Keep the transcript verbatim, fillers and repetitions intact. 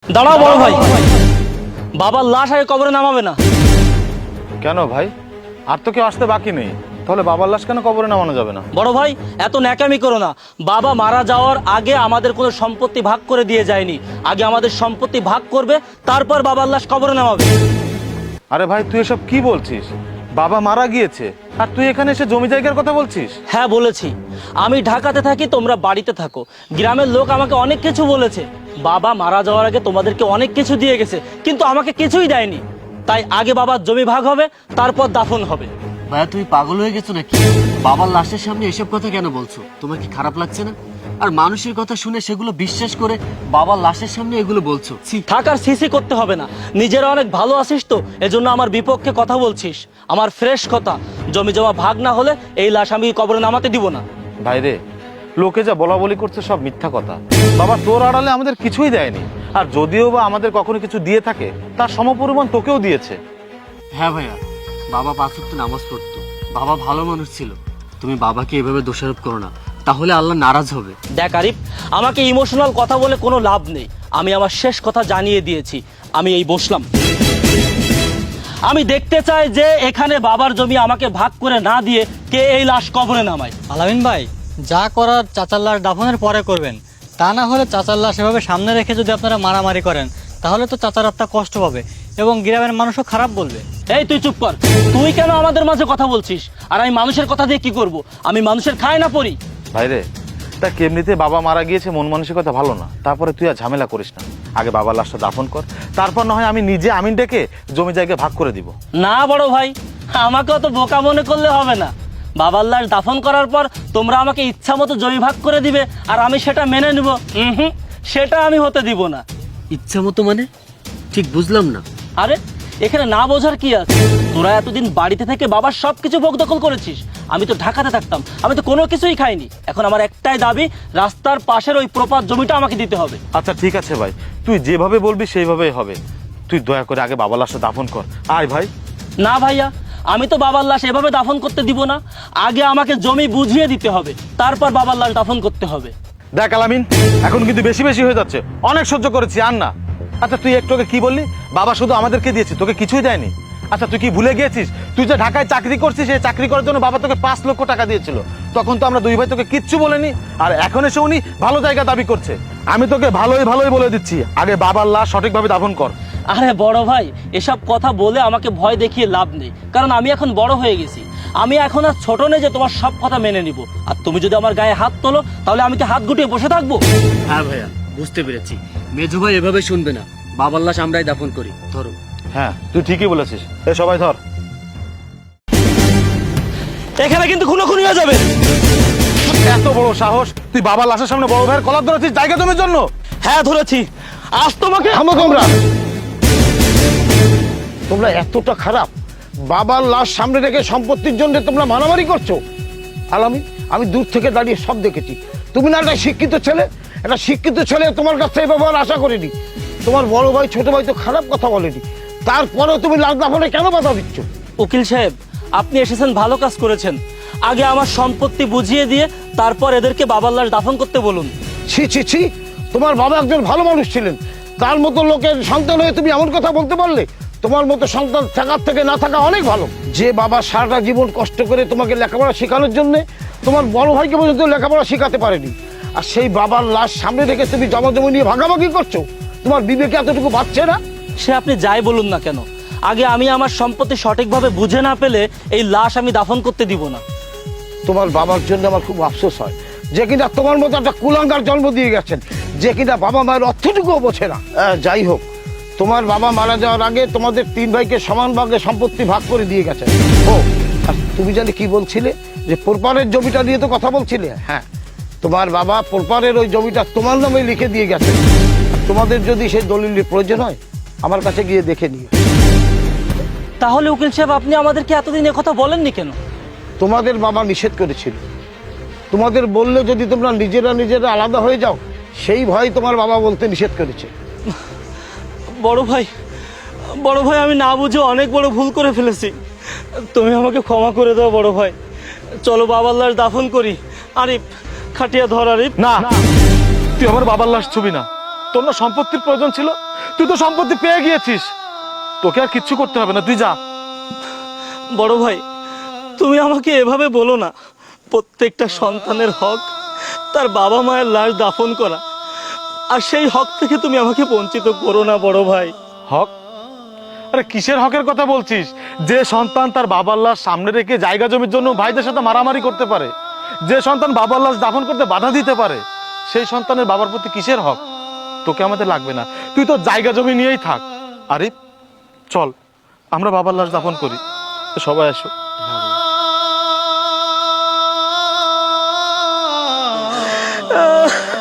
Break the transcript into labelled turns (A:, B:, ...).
A: দাঁড়াও বড় ভাই, বাবার লাশ আগে কবরে নামাবে না।
B: কেন ভাই? আর তো কেউ আসতে বাকি নেই, তাহলে বাবার লাশ কেন কবরে নামানো যাবে না?
A: বড় ভাই এত ন্যাকামি করো না। বাবা মারা যাওয়ার আগে আমাদের কোনো সম্পত্তি ভাগ করে দিয়ে যায়নি। আগে আমাদের সম্পত্তি ভাগ করবে, তারপর বাবার লাশ কবরে নামাবে।
B: আরে ভাই তুই এসব কি বলছিস? বাবা মারা গিয়েছে আর তুই এখানে এসে জমি জায়গার কথা বলছিস?
A: হ্যাঁ বলেছি, আমি ঢাকাতে থাকি, তোমরা বাড়িতে থাকো। গ্রামের লোক আমাকে অনেক কিছু বলেছে। বাবা মারা যাওয়ার আগে তোমাদেরকে অনেক কিছু দিয়ে গেছে, কিন্তু আমাকে কিছুই দেয়নি। তাই আগে বাবার জমি ভাগ হবে, তারপর দাফন হবে।
C: ভাইয়া তুমি পাগল হয়ে গেছো নাকি? বাবার লাশের সামনে এসব কথা কেন বলছো? তোমার কি খারাপ লাগছে না? আর মানুষের কথা শুনে সেগুলো বিশ্বাস করে বাবার লাশের সামনে এগুলো বলছো?
A: থাকার সিসি করতে হবে না, নিজেরা অনেক ভালো আছিস তো, এজন্য আমার বিপক্ষে কথা বলছিস। আমার ফ্রেশ কথা, জমি জমা ভাগ না হলে এই লাশ আমি কবরে নামাতে দিব না।
B: ভাই রে, লোকে যা বলা বলি করছে সব মিথ্যা কথা। বাবা তোর আড়ালে আমাদের কিছুই দেয়নি, আর যদিও বা আমাদের কখনো কিছু দিয়ে থাকে তার সমপরিমাণ তোকেও দিয়েছে।
C: হ্যাঁ ভাইয়া, বাবা পাঁচ ওয়াক্ত নামাজ পড়তো, বাবা ভালো মানুষ ছিল। তুমি বাবাকে এভাবে দোষারোপ করো না, তাহলে আল্লাহ নারাজ হবে।
A: দেখ আরিফ, আমাকে ইমোশনাল কথা বলে কোনো লাভ নেই। আমি আমার শেষ কথা জানিয়ে দিয়েছি। আমি এই বসলাম, আমি দেখতে চাই যে এখানে বাবার জমি আমাকে ভাগ করে না দিয়ে কে এই লাশ কবরে নামায়।
D: আলামিন ভাই, যা করার চাচার লাশ দাফনের পরে করবেন। তা না হলে চাচার লাশ এভাবে সামনে রেখে যদি আপনারা মারামারি করেন, তাহলে তো চাচার আত্মা কষ্ট পাবে এবং গ্রামের মানুষও খারাপ বলবে।
A: এই তুই চুপ কর, তুই কেন আমাদের মাঝে কথা বলছিস? আর আমি মানুষের কথা দিয়ে কি করব? আমি মানুষের খায় না পড়ি।
B: ভাই রে, তা কেমনিতে বাবা মারা গিয়েছে, মন মানসিকতা ভালো না, তারপরে তুই আর ঝামেলা করিস না। আগে বাবার লাশটা দাফন কর, তারপর না হয় আমি নিজে আমিন ডেকে জমি জায়গা ভাগ করে দিব।
A: না বড় ভাই, আমাকে অত বোকা মনে করলে হবে না। বাবার লাশ দাফন করার পর তোমরা আমাকে ইচ্ছা মতো জমি ভাগ করে দিবে, আর আমি সেটা মেনে নিব? হুম, সেটা আমি হতে দিব না।
C: ইচ্ছা মতো মানে? ঠিক বুঝলাম না।
A: আরে এখানে না বোঝার কি আছে? তোরা এতদিন বাড়িতে থেকে বাবার সবকিছু ভোগ দখল করেছিস। আমি তো ঢাকাতে থাকতাম, আমি তো কোনো কিছুই খাইনি। এখন আমার একটাই দাবি, রাস্তার পাশের ওই প্রপার জমিটা আমাকে দিতে হবে।
B: আচ্ছা ঠিক আছে ভাই, তুই যেভাবে বলবি সেইভাবেই হবে। তুই দয়া করে আগে বাবার লাশটা দাফন কর। আয় ভাই।
A: না ভাইয়া, আমি তো বাবার লাশ এভাবে দাফন করতে দিব না। আগে আমাকে জমি বুঝিয়ে দিতে হবে, তারপর বাবার লাশ দাফন করতে হবে।
B: দেখ আলামিন, এখন কিন্তু বেশি বেশি হয়ে যাচ্ছে, অনেক সহ্য করেছি, আর না। আচ্ছা তুই একটু আগে কি বললি? বাবা শুধু আমাদেরকে দিয়েছে, তোকে কিছুই দেয়নি। আচ্ছা তুই কি ভুলে গিয়েছিস, তুই যে ঢাকায় চাকরি করছিস, সেই চাকরি করার জন্য বাবা তোকে পাঁচ লক্ষ টাকা দিয়েছিল। তখন তো আমরা দুই ভাই তোকে কিচ্ছু বলেনি, আর এখন এসে উনি ভালো জায়গা দাবি করছে। আমি তোকে ভালোই ভালোই বলে দিচ্ছি, আগে বাবার লাশ সঠিকভাবে দাফন কর।
A: আরে বড় ভাই, এসব কথা বলে আমাকে ভয় দেখিয়ে লাভ নেই, কারণ আমি এখন বড় হয়ে গেছি। আমি এখন আর ছোট নেই যে তোমার সব কথা মেনে নিব। আর তুমি যদি আমার গায়ে হাত তোলো, তাহলে আমি কি হাত গুটিয়ে বসে থাকবো?
C: হ্যাঁ ভাইয়া, বুঝতে পেরেছি। মেজো ভাই এভাবে শুনবে না, বাবার লাশ আমরাই দাফন করি। ধরো।
B: হ্যাঁ তুই ঠিকই বলেছিস, এ সবাই ধর।
A: এখানে কিন্তু খুনোখুনি হয়ে যাবে।
B: এত বড় সাহস, তুই বাবার লাশের সামনে বড় ভাইয়ের কলার ধরেছিস জায়গা জমির জন্য?
A: হ্যাঁ ধরেছি, আজ তোমাকে।
E: থামো তোমরা, তোমরা এতটা খারাপ? বাবার লাশ সামনে রেখে সম্পত্তির জন্য তোমরা মারামারি করছো? আলামি, আমি দূর থেকে দাঁড়িয়ে সব দেখেছি। তুমি না একটা শিক্ষিত ছেলে, একটা শিক্ষিত ছেলে তোমার কাছ থেকে ব্যবহার আশা করিনি। তোমার বড় ভাই ছোট ভাই তো খারাপ কথা বলেনি, তারপরেও তুমি লাশ দাফনে কেন বাধা দিচ্ছ?
A: উকিল সাহেব, আপনি এসেছেন, ভালো কাজ করেছেন। আগে আমার সম্পত্তি বুঝিয়ে দিয়ে তারপর এদেরকে বাবার লাশ দাফন করতে বলুন।
E: ছি ছি ছি, তোমার বাবা একজন ভালো মানুষ ছিলেন, তার মতো লোকের সন্তান হয়ে তুমি এমন কথা বলতে পারলে? তোমার মতো সন্তান থাকার থেকে না থাকা অনেক ভালো। যে বাবা সারাটা জীবন কষ্ট করে তোমাকে লেখাপড়া শেখানোর জন্য তোমার বড় ভাইকে পর্যন্ত লেখাপড়া শেখাতে পারেনি, আর সেই বাবার লাশ সামনে রেখে তুমি জমা জমি নিয়ে ভাগাভাগি করছো? তোমার বিবেকে এতটুকু বাঁচছে না?
A: সে আপনি যাই বলুন না কেন, আগে আমি আমার সম্পত্তি সঠিকভাবে বুঝে না পেলে এই লাশ আমি দাফন করতে দিব না।
E: তোমার বাবার জন্য আমার খুব আফসোস হয়, যে কিনা তোমার মতো একটা কুলাঙ্গার জন্ম দিয়ে গেছেন, যে কিনা বাবা মায়ের অর্থটুকুও বোঝে না। আহ, যাই হোক, তোমার বাবা মারা যাওয়ার আগে তোমাদের তিন ভাইকে সমান ভাগে সম্পত্তি ভাগ করে দিয়ে গেছেন। ও আর তুমি জানি কি বলছিলে, যে পোরপারের জমিটা নিয়ে তো কথা বলছিলে? হ্যাঁ, তোমার বাবা পোরপারের ওই জমিটা তোমার নামে লিখে দিয়ে গেছে। তোমাদের যদি সেই দলিলের প্রয়োজন হয়, আমার কাছে গিয়ে দেখে নিও।
A: তাহলে উকিল সাহেব, আপনি আমাদেরকে এতদিন কথা বলেননি কেন?
E: তোমাদের বাবা নিষেধ করেছিল, তোমাদের বললে যদি তোমরা নিজেরা নিজেরা আলাদা হয়ে যাও, সেই ভয় তোমার বাবা বলতে নিষেধ করেছে।
A: বড় ভাই, বড় ভাই, আমি না বুঝে অনেক বড় ভুল করে ফেলেছি। তুমি আমাকে ক্ষমা করে দাও বড় ভাই। চলো বাবার লাশ দাফন করি। আরিফ, খাটিয়া ধর আরিফ।
B: না, তুই আমার বাবার লাশ ছুবি না। তোর না সম্পত্তির প্রয়োজন ছিল, তুই তো সম্পত্তি পেয়ে গিয়েছিস, তোকে আর কিচ্ছু করতে হবে না, তুই যা।
A: বড় ভাই, তুমি আমাকে এভাবে বলো না। প্রত্যেকটা সন্তানের হক তার বাবা মায়ের লাশ দাফন করা, আর সেই হক থেকে তুমি আমাকে বঞ্চিত করো না বড় ভাই।
B: হক? আরে কিসের হকের কথা বলছিস? যে সন্তান তার বাবার লাশ সামনে রেখে জায়গা জমির জন্য ভাইদের সাথে মারামারি করতে পারে, যে সন্তান বাবার লাশ দাফন করতে বাধা দিতে পারে, সেই সন্তানের বাবার প্রতি কিসের হক? তোকে আমাদের লাগবে না, তুই তো জায়গা জমি নিয়েই থাক। আরে চল আমরা বাবার লাশ দাফন করি, সবাই আসো।
A: আহ